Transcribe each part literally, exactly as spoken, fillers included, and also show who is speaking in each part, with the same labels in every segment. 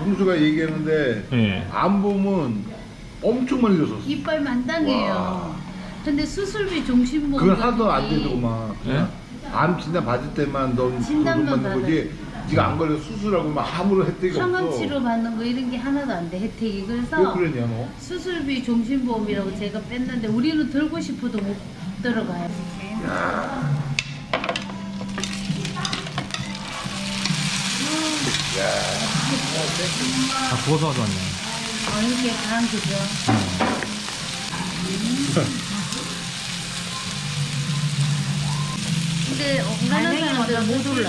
Speaker 1: 형수가 얘기했는데
Speaker 2: 예.
Speaker 1: 안 보면 엄청 많이 줬었어.
Speaker 3: 이빨 만당해요.
Speaker 1: 와.
Speaker 3: 근데 수술비 종신보험
Speaker 1: 그건 하나도 안 되더구만.
Speaker 2: 예?
Speaker 1: 암 진단 받을 때만 넌
Speaker 3: 진단만
Speaker 1: 그것만 받는 거지. 네가 안 걸려 수술하고 막 아무런 혜택이
Speaker 3: 항암
Speaker 1: 없어.
Speaker 3: 치료 받는 거 이런 게 하나도 안 돼 혜택이.
Speaker 1: 왜
Speaker 3: 그래서
Speaker 1: 그러냐 너?
Speaker 3: 수술비 종신보험이라고 제가 뺐는데 우리는 들고 싶어도 못 들어가요.
Speaker 2: 아, 구워서 가져왔네.
Speaker 3: 어, 이렇게 간 그죠? 근데 웬만한 사람들은 못 올라.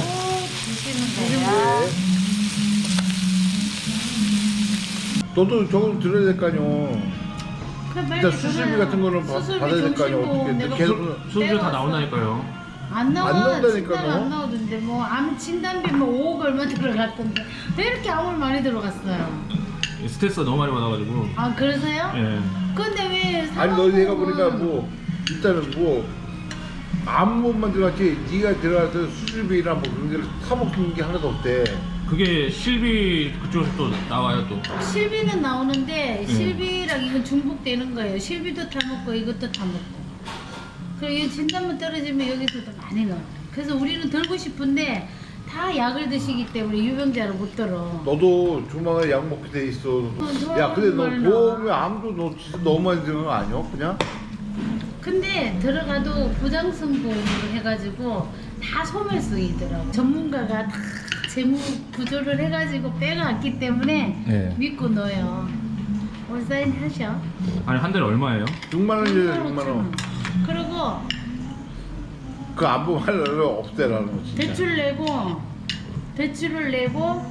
Speaker 1: 너도 저거 들어야 될 거 아니오.
Speaker 3: 그래, 빨리
Speaker 1: 일단 수술비
Speaker 3: 들어요.
Speaker 1: 같은 거는 받-
Speaker 3: 수술비
Speaker 1: 받아야 될 거 아니야.
Speaker 3: 종신보험
Speaker 1: 어떻게
Speaker 3: 내가
Speaker 1: 계속
Speaker 3: 그-
Speaker 2: 수술료 다
Speaker 3: 떼왔어.
Speaker 2: 나온다니까요.
Speaker 3: 안 나와.
Speaker 1: 안 나온다니까,
Speaker 3: 진단
Speaker 1: 너.
Speaker 3: 안 나오던데 뭐 암 진단비 뭐 오억 얼마 들어갔던데 왜 이렇게 암을 많이 들어갔어요?
Speaker 2: 스트레스가 너무 많이 받아가지고.
Speaker 3: 아 그러세요?
Speaker 2: 예.
Speaker 3: 근데 왜
Speaker 1: 아니 너 얘가
Speaker 3: 상황보험은-
Speaker 1: 보니까 뭐 일단은 뭐 아무것만 들어갔지 네가 들어가서 수술비나 뭐 그런 데를 타먹는 게 하나도 없대.
Speaker 2: 그게 실비 그쪽에서 또 나와요 또.
Speaker 3: 실비는 나오는데
Speaker 2: 음.
Speaker 3: 실비랑 이건 중복되는 거예요. 실비도 타먹고 이것도 타먹고. 그리고 이 진단만 떨어지면 여기서도 많이 나와요. 그래서 우리는 들고 싶은데 다 약을 드시기 때문에 유병자를 못 들어.
Speaker 1: 너도 조만간 약 먹게 돼 있어.
Speaker 3: 어,
Speaker 1: 야 근데 너
Speaker 3: 정말
Speaker 1: 보험에 암도 너 진짜 너무 많이 드는 거 아니야? 그냥?
Speaker 3: 근데 들어가도 부장성보험으로 해가지고 다 소멸성이더라고. 전문가가 다 재무 구조를 해가지고 빼가왔기 때문에
Speaker 2: 네.
Speaker 3: 믿고 넣어요. 올사인 하셔.
Speaker 2: 아니 한 달에 얼마예요?
Speaker 1: 육만 원이래 육만
Speaker 3: 육만
Speaker 1: 원.
Speaker 3: 원. 그리고
Speaker 1: 그 안 보면 할래 없애라는 거 진짜.
Speaker 3: 대출 내고 대출을 내고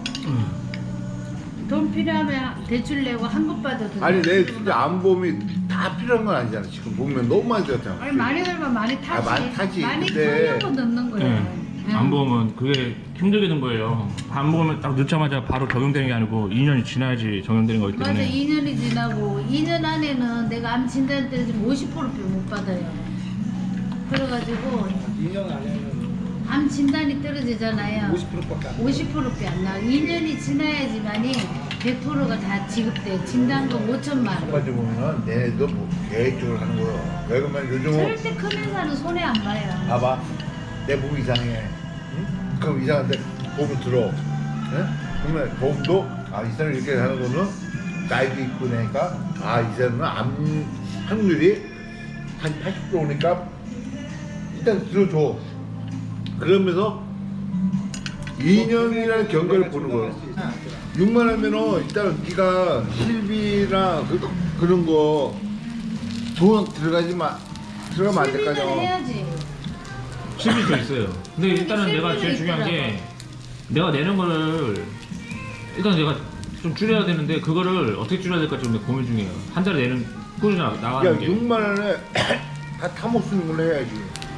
Speaker 3: 돈 필요하면 대출 내고 한급 받아도
Speaker 1: 아니
Speaker 3: 돼요.
Speaker 1: 내 진짜 암보험이 다 필요한 건 아니잖아. 지금 보면 너무 많이 들었잖아.
Speaker 3: 아니 많이 들면 많이 타지.
Speaker 1: 아, 많이 타지.
Speaker 3: 많이
Speaker 1: 근데-
Speaker 3: 타려고 넣는 거예요.
Speaker 2: 네.
Speaker 3: 응.
Speaker 2: 안 보면 그게 힘들게 된 거예요. 안 보면 딱 넣자마자 바로 적용되는 게 아니고 이 년이 지나야지 적용되는 거기
Speaker 3: 맞아,
Speaker 2: 때문에.
Speaker 3: 이 년이 지나고 이 년 안에는 내가 암 진단 때는 오십 퍼센트 못 받아요. 그래가지고
Speaker 4: 이 년 안에는
Speaker 3: 암 진단이 떨어지잖아요.
Speaker 4: 오십 퍼센트밖에 안 돼.
Speaker 3: 오십 퍼센트밖에 안 나와. 이 년이 지나야지만이 백 퍼센트가 다 지급돼. 진단금 오천만
Speaker 1: 한
Speaker 3: 원.
Speaker 1: 가지 보면은 얘네도 뭐 계획적으로 하는 거야. 왜 그러면 요즘은
Speaker 3: 절대 큰 회사는 손해 안 봐요.
Speaker 1: 봐봐 내 몸 이상해. 응? 그럼 이상한데 보험 들어. 응? 그러면 보험도 아 이 사람 이렇게 하는 거는 나이도 있고 그러니까 아 이 사람은 암 확률이 한 팔십 퍼센트니까 일단 들어줘. 그러면서 이 년이라는 경과를 보는 거야. 육만 원이면은 일단 네가 실비나 그, 그런 거 돈 들어가지 마 들어가면 안
Speaker 3: 실비는
Speaker 1: 될까요?
Speaker 3: 해야지.
Speaker 2: 실비 더 있어요. 근데 일단은
Speaker 3: 실비는
Speaker 2: 내가 제일 중요한 게
Speaker 3: 있더라고.
Speaker 2: 내가 내는 거를 일단 내가 좀 줄여야 되는데 그거를 어떻게 줄여야 될까 지금 내가 고민 중이에요. 한 달에 내는 꾸준히 나- 나가는
Speaker 1: 야
Speaker 2: 게
Speaker 1: 육만 원에 다 타먹 쓰는 걸로 해야지.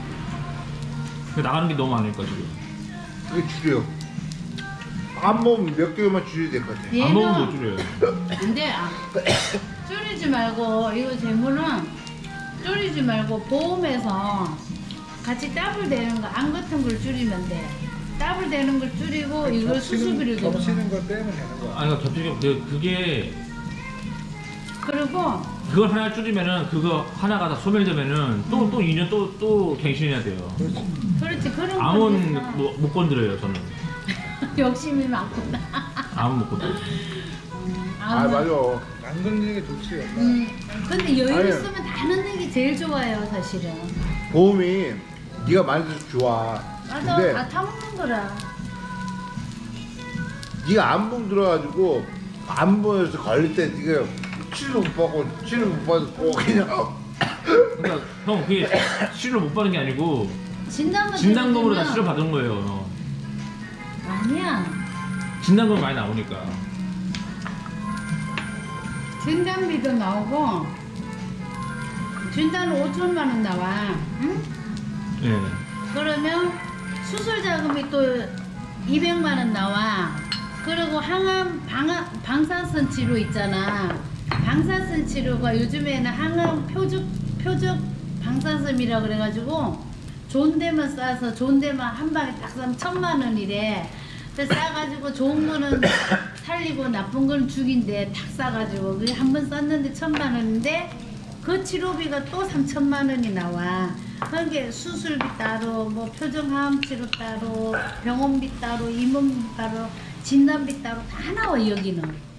Speaker 2: 근데 나가는 게 너무 많으니까 지금.
Speaker 1: 그게 줄여. 안 먹으면 몇 개월만 줄여야 될 것 같아.
Speaker 3: 얘는
Speaker 2: 안 먹으면 못 줄여요.
Speaker 3: 근데 아, 줄이지 말고 이거 재물은 줄이지 말고 보험에서 같이 더블 되는 거 안 같은 걸 줄이면 돼. 더블 되는 걸 줄이고 이걸 수수비를 들어.
Speaker 4: 겹치는 걸 빼면 되는 거야.
Speaker 2: 아니 그러니까 겹치게 그- 그게
Speaker 3: 그리고
Speaker 2: 그걸 하나 줄이면은 그거 하나가 다 소멸되면은 또 또 이 년 또 또 갱신해야 돼요.
Speaker 3: 그렇지 그런
Speaker 2: 암은
Speaker 3: 거는
Speaker 2: 뭐, 못 건드려요 저는.
Speaker 3: 욕심이 많구나.
Speaker 2: 암은 못 건드려.
Speaker 1: 아 맞아.
Speaker 4: 안 걸리는 게 좋지. 엄마.
Speaker 3: 음, 근데 여유
Speaker 1: 아니.
Speaker 3: 있으면 다 넣는 게 제일 좋아요 사실은.
Speaker 1: 보험이 네가 많이 들어서 좋아.
Speaker 3: 맞아
Speaker 1: 근데
Speaker 3: 다 타먹는 거라.
Speaker 1: 네가 안보험 들어가지고 안보험에서 걸릴 때 네가 치료 못 받고 치료 못 받고 그냥
Speaker 2: 그러니까 형 그게 치료를 못 받는 게 아니고
Speaker 3: 진단만
Speaker 2: 진단금으로 다
Speaker 3: 들어주면-
Speaker 2: 치료 받은 거예요.
Speaker 3: 아니야.
Speaker 2: 진단금 많이 나오니까.
Speaker 3: 진단비도 나오고 진단은 오천만 원 나와. 응?
Speaker 2: 예.
Speaker 3: 그러면 수술 자금이 또 이백만 원 나와. 그리고 항암 방아, 방사선 치료 있잖아. 방사선 치료가 요즘에는 항암 표적 표적 방사선이라 그래가지고 좋은 데만 싸서 좋은 데만 한 방에 딱 사면 천만 원이래. 그래서 싸가지고 좋은 거는 살리고 나쁜 건 죽인데 탁 싸가지고 그게 한 번 썼는데 천만 원인데 그 치료비가 또 삼천만 원이 나와. 그게 수술비 따로, 뭐 표정하암 치료 따로, 병원비 따로, 임원비 따로, 진단비 따로 다 나와 여기는.